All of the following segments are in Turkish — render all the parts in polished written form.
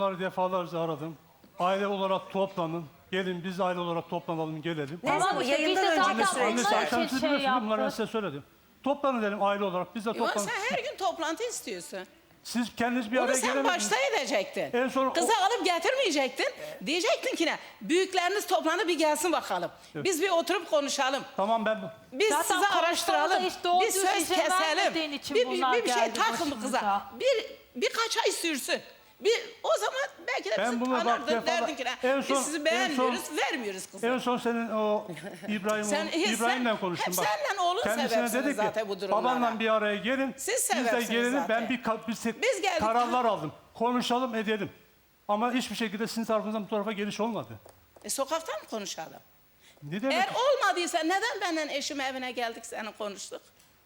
onları defalarca aradım. Aile olarak toplanın. Gelin biz aile olarak toplanalım gelelim. Ne zaman? işte biz Yayından de önceki zaten süreçler. Annesi onlar akşam için siz şey biliyorsunuz bunları ben yaptık. size söyledim. Toplanın dedim aile olarak biz de Ulan toplanın. sen her gün toplantı istiyorsun. Siz kendiniz bir Onu araya sen gelemediniz. başta edecektin. En son Kızı alıp getirmeyecektin. Diyecektin ki ne? Büyükleriniz toplandı bir gelsin bakalım. Biz bir oturup konuşalım. Tamam ben Biz Zaten sizi konuşmada araştıralım. hiç doğru Bir düz söz izin keselim. vermediğin için Bir bunlar şey geldi takın bu kıza. başımıza. Birkaç ay sürsün. O zaman belki de Ben bizi bunu bak tanırdın, defalar- derdin ki ne? en son- Biz sizi beğenmiyoruz, vermiyoruz kızı. en son senin o İbrahim'le konuştum hep bak. seninle oğlun Kendisine sebepsiniz dedi ki zaten bu durumlara. babanla bir araya gelin. Siz Biz de sebepsiniz gelelim zaten. ben Biz geldik. kararlar aldım. Konuşalım edelim. Ama hiçbir şekilde sizin tarafınızdan bu tarafa geliş olmadı. Sokakta mı konuşalım? Ne demek? Eğer olmadıysa neden benden eşim evine geldik seninle konuştuk?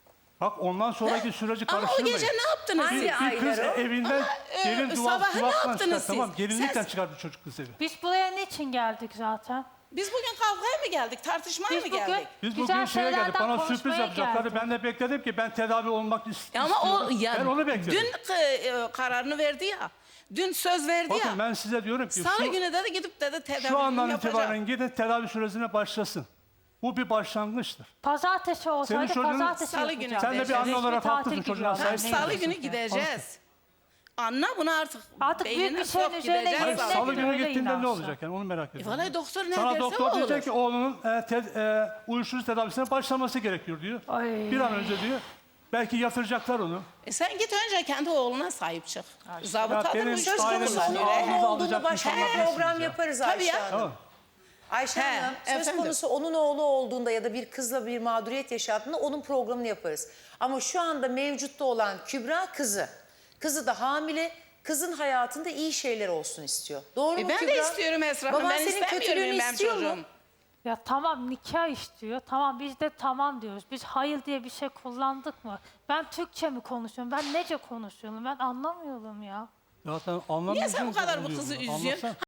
Bak ondan sonraki süreci Ama o karıştırmayın. gece ne yaptınız Hangi siz? ay? Bir kız Aylar o. evinden Ama, gelin sabah ne duvaktan yaptınız çıkar. siz? Tamam gelinlikten Siz- çıkardı çocuk kız evi. Biz buraya niçin geldik zaten? Biz bugün kavgaya mı geldik, tartışmaya Biz mı bugün- geldik? Biz Güzel bugün şeye geldik. şeylerden Bana sürpriz konuşmaya yapacaklardı. geldik. Ben de bekledim ki ben tedavi olmak istiyorum. Ama o Ben onu bekledim. dün kararını verdi ya. Dün söz verdi Bakın ya. ben size diyorum ki Salı günü dedi gidip dedi şu tedavi andan yapacağım. itibaren gidin tedavi sürecine başlasın. Bu bir başlangıçtır. Pazartesi olsaydı Senin çocuğun- pazartesi Salı günü. yapacaktık. Sen de bir anne Resmi olarak tatil haklısın, gibi çocuğuna yani. sahip Ne Salı diyorsun günü ki? gideceğiz. Anla bunu Artık büyük beynine bir şeyin sok, üzerine gideceğiz Hayır, Öyle salı değil, günü öyle gittiğinde ne inançlı. olacak yani onu merak ediyorum. Vallahi doktor ne Sana derse doktor o diyecek olur. ki oğlunun uyuşturucu tedavisine başlaması gerekiyor diyor. Ay. Bir an önce diyor. Belki yatıracaklar onu. Sen git önce kendi oğluna sahip çık. Ya Zabıtadır benim uyuşturucu ailem Konusu Aynen. onun kullanıyor. Ağzınıza oğlu olduğunu alacak başka insanlar bir değilsiniz program ya. yaparız Tabii Ayşe ya. Hanım. Tamam. Ayşe He, Hanım söz efendim. konusu onun oğlu olduğunda ya da bir kızla bir mağduriyet yaşadığında onun programını yaparız. Ama şu anda mevcutta olan Kübra kızı. Kızı da hamile. Kızın hayatında iyi şeyler olsun istiyor. Doğru mu Ben Kübra? de istiyorum Esra Hanım. Baban Ben senin istemiyorum kötülüğünü benim istiyor çocuğum. mu? Ya tamam nikah istiyor. Tamam biz de tamam diyoruz. Biz hayır diye bir şey kullandık mı? Ben Türkçe mi konuşuyorum? Ben nece konuşuyorum? Ben anlamıyorum ya. Zaten anlamıyorsun. Niye sen bu kadar bu oluyor kızı bunu. üzüyorsun? Anlatsana.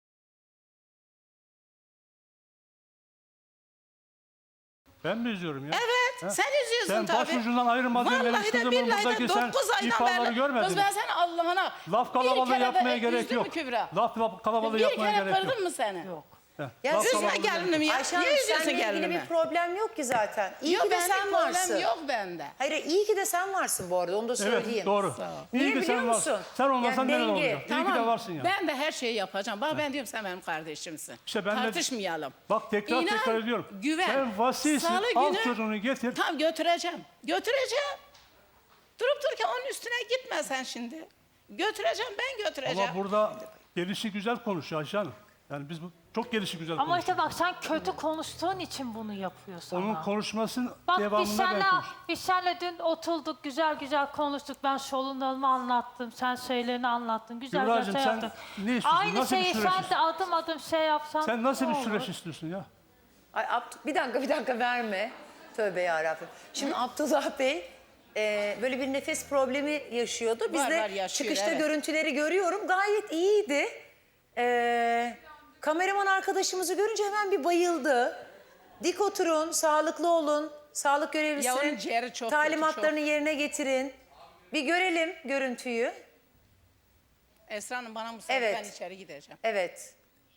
Ben mi üzüyorum ya? Evet, sen üzüyorsun Sen tabii. başucundan ayırmadın benim Vallahi de kızımın billahi buradaki de sen 9 aydan ifaları beri. görmedin Kız mi? ben seni Allah'ına Laf bir kalabalığı kere de yapmaya gerek üzdüm mü yok. Kübra? Laf kalabalığı Bir yapmaya kere gerek yok. kırdım mı seni? Yok. Ya Laf üzme Üzme kalabalığı- gelinimi ya. Ayşe Hanım Niye üzüyorsun seninle ilgili gelinimi? bir problem yok ki zaten. İyi Yok ki de bende sen problem varsın. yok bende. Hayır iyi ki de sen varsın bu arada onu da söyleyeyim. Evet doğru. Niye İyi ki biliyor sen varsın. musun? Sen olmasan Yani neler denge. olacak? İyi ki de varsın ya. Ben de her şeyi yapacağım. Bak ben diyorum sen benim kardeşimsin. İşte ben de- Tartışmayalım. Bak tekrar İnan, tekrar ediyorum. Güven. Sen vasisin. Salı Al günü- çocuğunu getir. Tamam götüreceğim. Götüreceğim. Durup dururken onun üstüne gitme sen şimdi. Götüreceğim ben götüreceğim. Ama burada gelişi güzel konuşuyor Ayşe Hanım. Yani biz çok gelişi güzel Ama konuşuyoruz. işte bak sen kötü konuştuğun için bunu yapıyorsun. Onun konuşmasının Bak biz devamında ben seninle, konuşuyorum. biz seninle dün oturduk güzel güzel konuştuk. Ben sorunlarımı anlattım. Sen şeylerini anlattın. Güzel Kübracığım, güzel şey sen yaptık. ne istiyorsun? Aynı Nasıl bir şeyi süreç sen de adım adım şey yapsan. Sen nasıl ne bir olur? süreç istiyorsun ya? Ay, bir dakika verme. Tövbe yarabbim. Şimdi Abdullah Bey böyle bir nefes problemi yaşıyordu. Biz Var, de yaşıyor, çıkışta evet. görüntüleri görüyorum. Gayet iyiydi. Kameraman arkadaşımızı görünce hemen bir bayıldı. Dik oturun, sağlıklı olun. Sağlık Ya onun görevlisinin ciğeri çok talimatlarını kötü, yerine getirin. Bir görelim görüntüyü. Esra Hanım bana müsaade Evet. ben içeri gideceğim. Evet.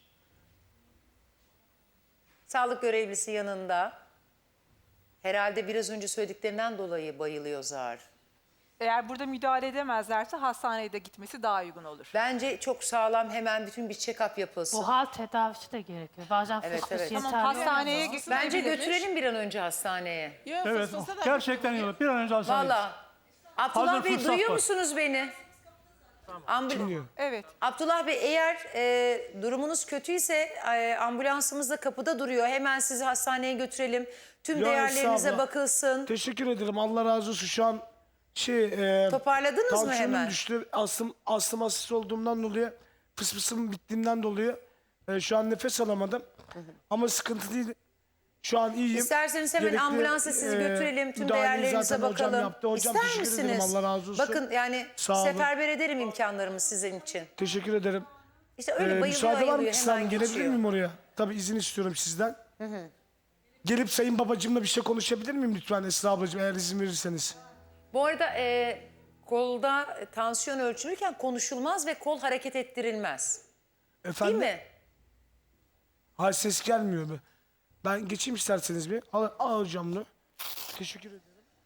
Sağlık görevlisi yanında. Herhalde biraz önce söylediklerinden dolayı bayılıyor zar. Eğer burada müdahale edemezlerse hastaneye de gitmesi daha uygun olur. Bence çok sağlam hemen bütün bir check-up yapılsın. Buhar tedavisi de gerekiyor. Bazen Evet, fıs fıs evet. yeterli. Tamam, hastaneye olmuyor. Bence gidebilirmiş. götürelim bir an önce hastaneye. Yok, Evet. fısfısa da Gerçekten iyi olur. Bir an önce hastaneye gitsin. Valla. Abdullah Hazır Bey fırsat duyuyor var. musunuz beni? Evet. Abdullah Bey eğer durumunuz kötüyse ambulansımız da kapıda duruyor. Hemen sizi hastaneye götürelim. Tüm Ya değerlerinize estağfurullah. bakılsın. Teşekkür ederim. Allah razı olsun. Şu an Toparladınız mı tansiyonum hemen? düştü. Astım hastası olduğumdan dolayı, fısfısım bittiğinden dolayı şu an nefes alamadım. Ama sıkıntı değil. Şu an iyiyim. İsterseniz hemen Gerekli, ambulansa sizi götürelim. Tüm müdahaleyi değerlerinize zaten hocam bakalım. yaptı. Hocam İster teşekkür ederim. misiniz? Allah razı olsun. Bakın yani Sağ olun. seferber ederim imkanlarımı sizin için. Teşekkür ederim. İşte öyle bayılıyor Müsaade var mı ayılıyor kısa? hemen Gelebilir geçiyor. miyim oraya? Tabii izin istiyorum sizden. Gelip sayın babacığımla bir şey konuşabilir miyim lütfen Esra ablacığım eğer izin verirseniz? Bu arada kolda tansiyon ölçülürken konuşulmaz ve kol hareket ettirilmez. Efendim? Değil mi? Hayır, ses gelmiyor be. Ben geçeyim isterseniz bir. Al hocam bunu. Teşekkür ederim.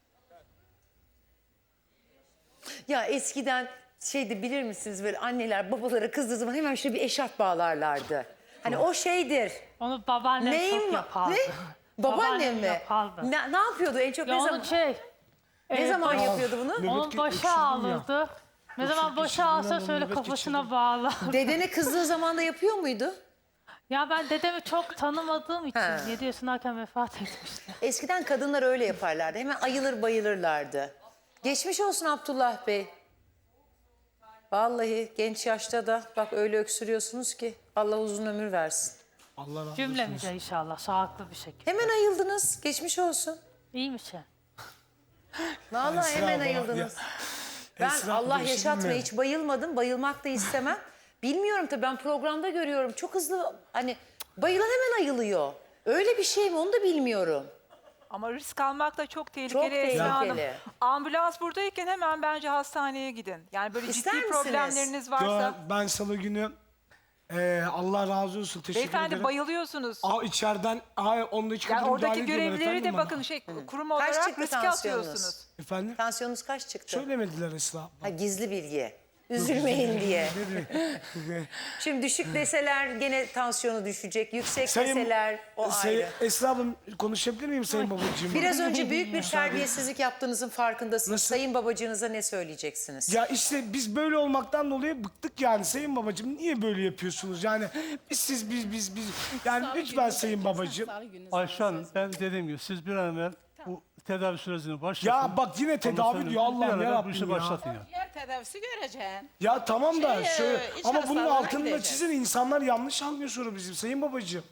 Ya eskiden şeydi, bilir misiniz, böyle anneler babalara kızdığı zaman hemen şöyle bir eşarp bağlarlardı. Hani o şeydir. Onu babaannem Neyin çok var? yapardı. Ne? Babaannem mi? yapardı. Ne yapıyordu en çok? Ya Ne onun zaman, ne zaman yapıyordu bunu? Nöbet Onun başı geçirdim ya. ağrırdı. Ne zaman başı ağrısa şöyle nöbet kafasına bağlar. Dedene kızdığı zaman da yapıyor muydu? Ya ben dedemi çok tanımadığım için Ha. 7 yaşındayken vefat etmişti. Eskiden kadınlar öyle yaparlardı. Hemen ayılır bayılırlardı. Geçmiş olsun Abdullah Bey. Vallahi genç yaşta da bak öyle öksürüyorsunuz ki Allah uzun ömür versin. Allah razı olsun. Cümlemize inşallah sağlıklı bir şekilde. Hemen ayıldınız. Geçmiş olsun. İyiymiş ya. Vallahi Esra hemen abla, ayıldınız. ya. Ben Esra Allah abla, bir şey yaşatmaya diyeyim mi? hiç bayılmadım. Bayılmak da istemem. Bilmiyorum tabii, ben programda görüyorum. Çok hızlı, hani bayılan hemen ayılıyor. Öyle bir şey mi onu da bilmiyorum. Ama risk almak da çok tehlikeli. Çok Esra Hanım. tehlikeli. Ambulans buradayken hemen bence hastaneye gidin. Yani böyle İster ciddi misiniz? problemleriniz varsa. Ya, ben salı günü Allah razı olsun. Teşekkür Beyefendi ederim. bayılıyorsunuz. İçeriden onda iki Yani kadar oradaki müdahale ediyorlar görevlileri de efendim bakın bana. kurum Kaç olarak çıktı riske tansiyonunuz? atıyorsunuz. Efendim? Tansiyonunuz kaç çıktı? Söylemediler Esra abla. Ha, gizli bilgi. Üzülmeyin diye. Şimdi düşük deseler gene tansiyonu düşecek. Yüksek deseler o ayrı. Esra abla, konuşabilir miyim Sayın Babacığım? Biraz önce büyük bir terbiyesizlik yaptığınızın farkındasınız. Nasıl? Sayın babacığınıza ne söyleyeceksiniz? Ya işte biz böyle olmaktan dolayı bıktık yani Sayın Babacığım. Niye böyle yapıyorsunuz? Yani biz. Yani lütfen Sayın Babacığım. Ayşe Hanım, ben dediğim gibi siz bir an evvel bu tedavi sürecini başlatın. Ya bak yine Ondan tedavi sonra diyor bir an Allah'ım evvel bu yarabbim işi ya. başlatın ya. Yer tedavisi göreceksin. Ya tamam da şöyle iç ama bunun hastalarına altını da gideceğiz. çizin, insanlar yanlış anlıyor sonra bizim Sayın Babacığım.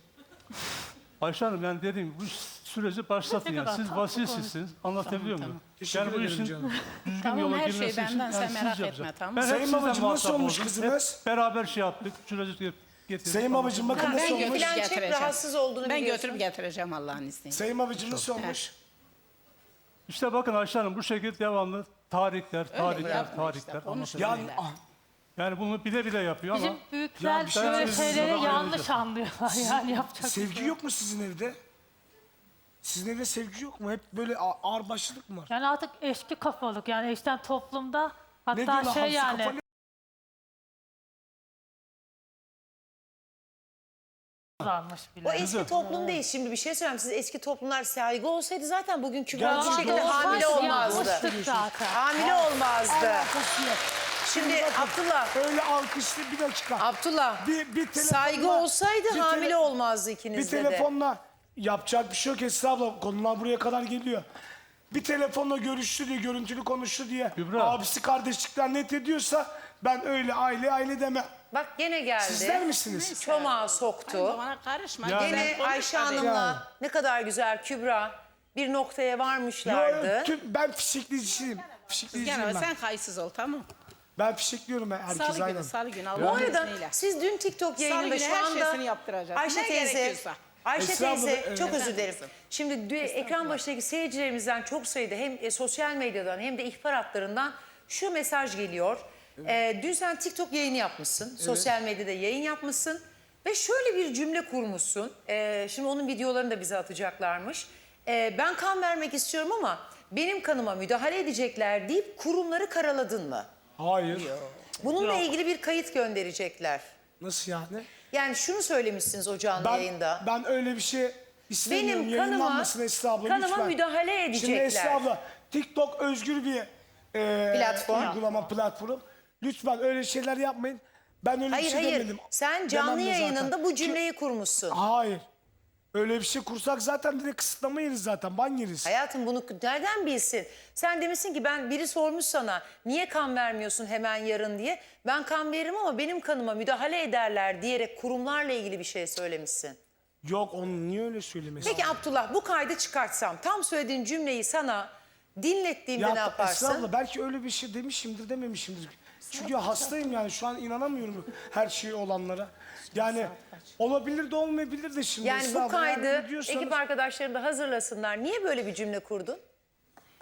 Ayşe Hanım, yani dediğim gibi bu süreci başlatın Ne ya. kadar Siz tatlı vasisisiniz. Anlatabiliyor muyum? Teşekkür Yani bu ederim işin canım. düzgün Tamam, yola her şey girmesi için benden, sen siz merak etme, yapacaksınız. tamam. Ben hep Sayın sizden babacığım, nasıl muhatap olmuş oldum. kızınız? Hep beraber şey yaptık. Süreci getirdik. Sayın Babacığım bakın Ben nasıl olmuş? götürüp Filan çek, getireceğim. rahatsız olduğunu Ben biliyorsun. götürüp getireceğim Allah'ın izniyle. Sayın Babacığım nasıl olmuş? İşte bakın Ayşe Hanım, bu şekilde devamlı tarihler. bırakma işte, anlatabiliyor Yani muyum? Yani bunu bile bile yapıyor ama Bizim büyükler Ya bir şey böyle söyleyeyim, şeyleri sana yanlış anlıyorlar. Yani yapacak bir şey sevgi yok. yok mu sizin evde? Sizin evde sevgi yok mu? Hep böyle ağır başlılık mı var? Yani artık eski kafalık, yani eskiden toplumda Ne hatta diyorlar, şey hamsi yani kafalı varmış bile. O eski toplum değil. Şimdi bir şey söyleyeyim. Siz eski toplumlar saygı olsaydı zaten bugün Kübra bu Gerçekten şekilde olsaydı hamile olmazdı. Yapmıştık zaten. Hamile olmazdı. alakası yok. Şimdi Abdullah, Öyle alkışlı bir dakika. Abdullah Bir telefonla- saygı olsaydı bir hamile tele- olmazdı Bir ikinizde de. telefonla yapacak bir şey yok Esra abla. Konular buraya kadar geliyor. Bir telefonla görüştü diye, görüntülü konuştu diye Kübra. abisi kardeşlikten net ediyorsa ben öyle aile demem. Bak gene geldi. Sizler misiniz? Çomağı soktu. Bana karışma. Yani- Gene Sen konuş Ayşe hadi. Hanım'la Yani. ne kadar güzel Kübra bir noktaya Yo, varmışlardı. ben fişekleyicisiyim. Fişekleyiciyim Gene ben. sen kayıtsız ol, tamam. Ben fişekliyorum herkes Salı aynen. günü, salı günü Bu Allah'ın arada izniyle. siz dün TikTok yayınında günü şu her anda şeysini yaptıracağız. Ayşe Ne teyze, gerekiyorsa. Ayşe Esra abla, teyze evet. çok özür dilerim. Şimdi ekran başındaki seyircilerimizden çok sayıda hem sosyal medyadan hem de ihbar hatlarından şu mesaj geliyor. Dün sen TikTok yayını yapmışsın. Sosyal medyada yayın yapmışsın. Ve şöyle bir cümle kurmuşsun. Şimdi onun videolarını da bize atacaklarmış. Ben kan vermek istiyorum ama benim kanıma müdahale edecekler deyip kurumları karaladın mı? Hayır. Bununla ilgili bir kayıt gönderecekler. Nasıl yani? Yani şunu söylemişsiniz o canlı yayında. Ben öyle bir şey istemiyorum. Benim kanıma, Yayınlanmasın Esra abla kanıma lütfen. müdahale Şimdi edecekler. Esra abla TikTok özgür bir Platform. uygulama platform. Lütfen öyle şeyler yapmayın. Ben öyle bir Hayır şey hayır. demedim. Sen canlı Demem de zaten. yayınında bu cümleyi kurmuşsun. Hayır. Öyle bir şey kursak zaten direkt kısıtlama yeriz zaten. Ban yeriz. Hayatım bunu nereden bilsin? Sen demişsin ki biri sormuş sana niye kan vermiyorsun hemen yarın diye. Ben kan veririm ama benim kanıma müdahale ederler diyerek kurumlarla ilgili bir şey söylemişsin. Yok onu niye öyle söylemesin? Peki Abdullah bu kaydı çıkartsam tam söylediğin cümleyi sana dinlettiğimde ne Esra yaparsın? abla belki öyle bir şey demişimdir dememişimdir. Çünkü hastayım yani şu an inanamıyorum her şeye olanlara. Yani olabilir de olmayabilir de şimdi. Yani Esra bu abla, eğer kaydı biliyorsanız- ekip arkadaşlarım da hazırlasınlar. Niye böyle bir cümle kurdun?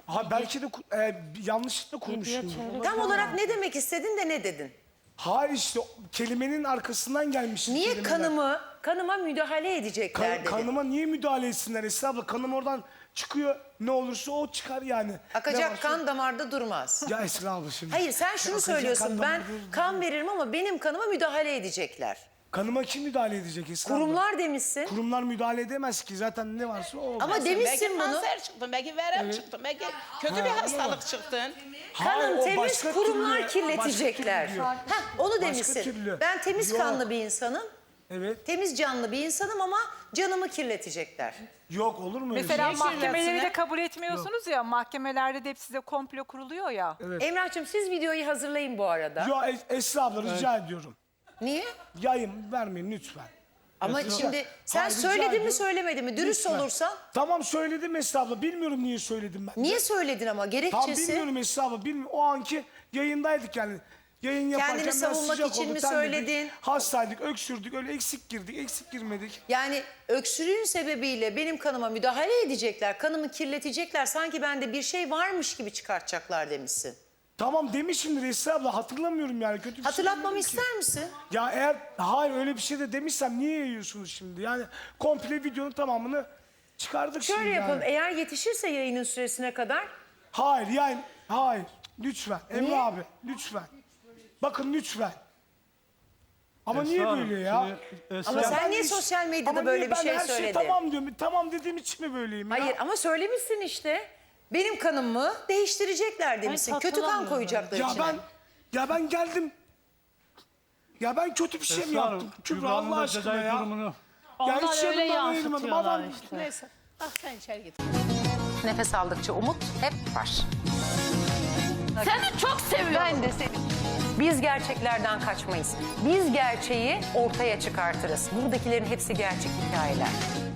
Ha belki de yanlışlıkla kurmuşum. Tam olarak ne demek istedin de ne dedin? Hayır işte kelimenin arkasından gelmiş. Niye kelimeler. kanıma müdahale edecekler dedin? Kanıma niye müdahale etsinler Esra abla? Kanım oradan çıkıyor. Ne olursa o çıkar yani. Ne Akacak varsa- kan damarda durmaz. Ya Esra abla şimdi. Hayır sen şunu Akacak söylüyorsun. kan Ben damarda değil. kan veririm ama benim kanıma müdahale edecekler. Kanıma kim müdahale edecek Esra abla? Kurumlar demişsin. Kurumlar müdahale edemez ki. Zaten ne varsa o olur. Ama Belki demişsin bunu. kanser çıktın, belki verem çıktın, belki kötü bir hastalık çıktın. Hayır, Kanın o temiz, başka kurumlar türlü, kirletecekler. başka türlü. Heh, onu Başka demişsin. türlü. Ben temiz Yok. kanlı bir insanım. Evet. Temiz canlı bir insanım ama canımı kirletecekler. Yok olur mu öyle Mesela şey? mahkemeleri de kirletsinler? kabul etmiyorsunuz ya. Mahkemelerde de hep size komplo kuruluyor ya. Emrah'cığım siz videoyu hazırlayın bu arada. Ya Esra abla rica ediyorum. Niye? Yayın vermeyin lütfen. Ama Esra- şimdi sen Hayır, rica söyledin mi ediyorum. söylemedin mi? Dürüst Lütfen. olursan. Tamam söyledim Esra abla. Bilmiyorum niye söyledim ben. Niye söyledin ama? Tamam Gerekçesi bilmiyorum Esra abla. Bilmiyorum. O anki yayındaydık yani. Yayın yaparken Kendini biraz savunmak sıcak için oldu, mi terledik. söyledin? Hastaydık, öksürdük. Öyle eksik girdik, eksik girmedik. yani öksürüğün sebebiyle benim kanıma müdahale edecekler. Kanımı kirletecekler. Sanki bende bir şey varmış gibi çıkartacaklar demişsin. Tamam demişimdir Esra abla. Hatırlamıyorum yani. Kötü bir şey Hatırlatmamı demedim ki. ister misin? Ya eğer hayır öyle bir şey de demişsem niye yayıyorsunuz şimdi? Yani komple videonun tamamını çıkardık şimdi Şöyle yapalım. yani. Eğer yetişirse yayının süresine kadar Hayır yani hayır. Lütfen Niye? Emre abi lütfen. Bakın lütfen. Ama Esra niye Hanım, böyle ya? şimdi Esra Ama Hanım, sen Ben niye hiç- sosyal medyada Ama böyle niye bir ben şey her söyledin? tamam diyorum. Tamam dediğim için mi böyleyim ya? Hayır ama söylemişsin işte. Benim kanımı değiştirecekler demişsin. Kötü kan hatırlamıyorum koyacaklar Ya içine. ben geldim. Ya ben kötü bir şey mi Esra Hanım, yaptım? Kübra Kübra'nın Allah da aşkına cezai ya. durumunu Ya Onlar hiç öyle yanımdan ayırmadım. yansıtıyorlar Adam işte. Neyse. Ah sen içeri git. Nefes aldıkça umut hep var. Seni çok seviyorum. Ben de seni. Biz gerçeklerden kaçmayız. Biz gerçeği ortaya çıkartırız. Buradakilerin hepsi gerçek hikayeler.